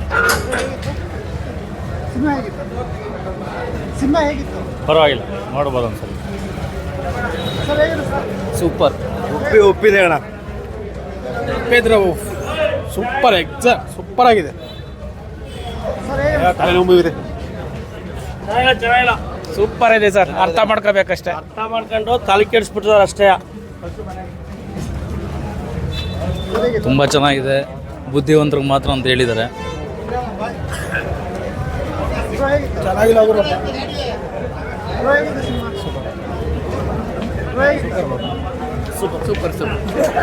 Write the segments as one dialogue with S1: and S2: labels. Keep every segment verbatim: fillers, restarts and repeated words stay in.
S1: Cinema ಹೇಗಿತ್ತು cinema ಹೇಗಿತ್ತು
S2: ಪರವಾಗಿಲ್ಲ, ನೋಡ್ಬೋದು ಒಂದ್ಸಲ.
S1: ಸರ್ ಹೇಗಿದೆ ಸರ್?
S2: ಸೂಪರ್.
S3: ಒಪ್ಪಿ ಒಪ್ಪಿದೆ ಅಣ್ಣ.
S4: ಒಪ್ಪಿದ್ರೆ ಸೂಪರ್ ಎಕ್ಸಾ ಸೂಪರ್ ಆಗಿದೆ.
S1: ಸರ್ ಹೇಗಿದೆ?
S4: ತಲೆನೋವು ಇದೆ.
S2: ಚೆನ್ನಾಗಿಲ್ಲ.
S4: ಸೂಪರ್ ಇದೆ ಸರ್, ಅರ್ಥ ಮಾಡ್ಕೋಬೇಕಷ್ಟೇ.
S2: ಅರ್ಥ ಮಾಡ್ಕೊಂಡು ತಲೆ ಕೆಡಿಸ್ಬಿಟ್ಟಿದ್ದಾರೆ ಅಷ್ಟೇ.
S5: ತುಂಬ ಚೆನ್ನಾಗಿದೆ, ಬುದ್ಧಿವಂತರಿಗೆ ಮಾತ್ರ ಅಂತ ಹೇಳಿದ್ದಾರೆ.
S4: ಚೆನ್ನಾಗಿಲ್ಲ ಅವರು.
S1: ಸೂಪರ್ ಸೂಪರ್ ಸೂಪರ್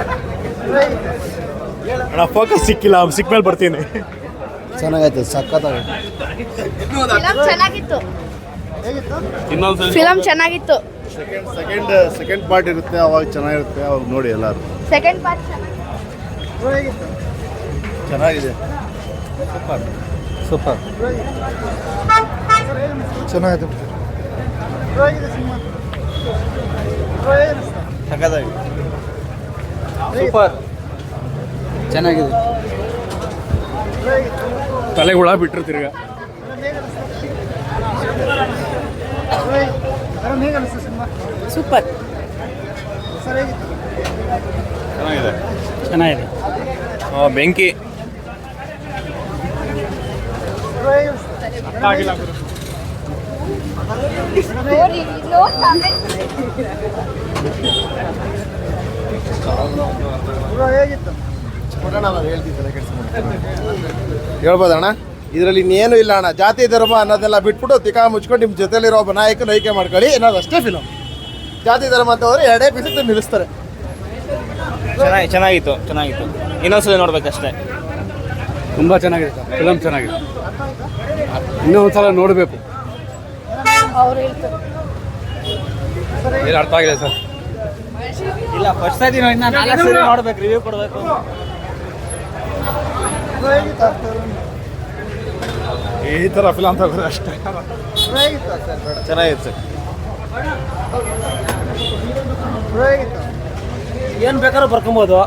S3: ಅಣ್ಣ ಫೋಕಸ್ ಸಿಕ್ಕಿಲ್ಲ, ಸಿಕ್ಕ ಮೇಲೆ ಬರ್ತೀನಿ.
S4: ಚೆನ್ನಾಗೈತೆ, ಸಖತ್ತಾಗೈತೆ.
S6: ಫಿಲಂ ಚೆನ್ನಾಗಿತ್ತು.
S1: ಹೇಗಿತ್ತು?
S6: ಫಿಲಂ ಚೆನ್ನಾಗಿತ್ತು.
S3: ಸೆಕೆಂಡ್ ಸೆಕೆಂಡ್ ಸೆಕೆಂಡ್ ಪಾರ್ಟ್ ಇರುತ್ತೆ, ಅವಾಗ ಚೆನ್ನಾಗಿರುತ್ತೆ, ಅವಾಗ ನೋಡಿ ಎಲ್ಲರೂ.
S6: ಸೆಕೆಂಡ್ ಪಾರ್ಟ್
S1: ಹೇಗಿತ್ತು?
S3: ಚೆನ್ನಾಗಿದೆ.
S4: ಸೂಪರ್ ಸೂಪರ್
S1: ಚೆನ್ನಾಗಿದೆ. ಹೇಗಿದೆ ಸಿನಿಮಾ? ಹೇಗಿದೆ?
S3: ಸಖತ್ತಾಗಿದೆ.
S4: ಸೂಪರ್ ಚೆನ್ನಾಗಿದೆ. ತಲೆಗೆ ಹುಳ ಬಿಟ್ಟರು ತಿರ್ಗ.
S1: ಹೇಗೆ ಅನಿಸ್ತು ಸಿನಿಮಾ?
S6: ಸೂಪರ್.
S1: ಸರ್ ಹೇಗಿತ್ತು?
S3: ಚೆನ್ನಾಗಿದೆ.
S4: ಚೆನ್ನಾಗಿದೆ.
S3: ಬೆಂಕಿ.
S4: ಆಗಿಲ್ಲ
S6: ನೋಡಿ
S1: ಹೇಗಿತ್ತು?
S3: ಹೇಳ್ಬೋದಣ್ಣ? ಇದರಲ್ಲಿ ಇನ್ನೇನು ಇಲ್ಲ ಅಣ್ಣ. ಜಾತಿ ಧರ್ಮ ಅನ್ನೋದೆಲ್ಲ ಬಿಟ್ಬಿಟ್ಟು ತಿಕಾ ಮುಚ್ಕೊಂಡು ನಿಮ್ಮ ಜೊತೆಲಿರೋ ಒಬ್ಬ ನಾಯಕನ ಆಯ್ಕೆ ಮಾಡ್ಕೊಳ್ಳಿ ಅನ್ನೋದು ಅಷ್ಟೇ ಫಿಲಮ್. ಜಾತಿ ಧರ್ಮ ಅಂತ ಹೋದ್ರೆ ಎರಡೇ ಪೀಸಕ್ಕೆ ನಿಲ್ಲಿಸ್ತಾರೆ.
S2: ಚೆನ್ನಾಗಿ ಚೆನ್ನಾಗಿತ್ತು ಚೆನ್ನಾಗಿತ್ತು ಇನ್ನೊಂದ್ಸಲ ನೋಡ್ಬೇಕಷ್ಟೇ.
S4: ತುಂಬ ಚೆನ್ನಾಗಿದೆ ಸರ್, ಫಿಲಮ್ ಚೆನ್ನಾಗಿದೆ. ಇನ್ನೂ ಒಂದ್ಸಲ ನೋಡಬೇಕು.
S6: ಅವ್ರು ಹೇಳ್ತಾರೆ
S4: ಏನು ಅರ್ಥ ಆಗಿದೆ ಸರ್?
S2: ಇಲ್ಲ, ಫಸ್ಟ್ ಸತಿ ಇನ್ನು ನಾಲ್ಕು ಸರಿ ನೋಡ್ಬೇಕು, ರಿವ್ಯೂ ಕೊಡಬೇಕು.
S3: ಈ ಥರ ಫಿಲಮ್ ತಗೋದ್ರೆ ಅಷ್ಟೇ.
S1: ಹೇಗಿತ್ತು ಸರ್? ಬೇಡ.
S3: ಚೆನ್ನಾಗಿತ್ತು ಸರ್.
S1: ಹೇಗಿತ್ತು?
S2: ಏನು ಬೇಕಾದ್ರೂ ಬರ್ಕೊಬೋದು.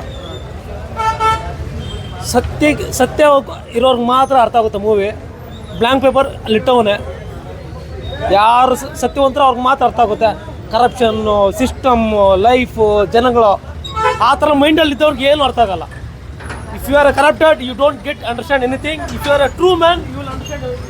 S2: ಸತ್ಯ ಸತ್ಯ ಇರೋರ್ಗೆ ಮಾತ್ರ ಅರ್ಥ ಆಗುತ್ತೆ ಮೂವಿ. ಬ್ಲ್ಯಾಂಕ್ ಪೇಪರ್ ಅಲ್ಲಿಟ್ಟವನೇ, ಯಾರು ಸತ್ಯವಂತರು ಅವ್ರಿಗೆ ಮಾತ್ರ ಅರ್ಥ ಆಗುತ್ತೆ. ಕರಪ್ಷನ್ನು, ಸಿಸ್ಟಮ್ಮು, ಲೈಫು, ಜನಗಳು ಆ ಥರ ಮೈಂಡಲ್ಲಿ ಇದ್ದವ್ರಿಗೆ ಏನು ಅರ್ಥ ಆಗಲ್ಲ. If you are a corrupted you don't get understand anything. If you are a true man you will understand.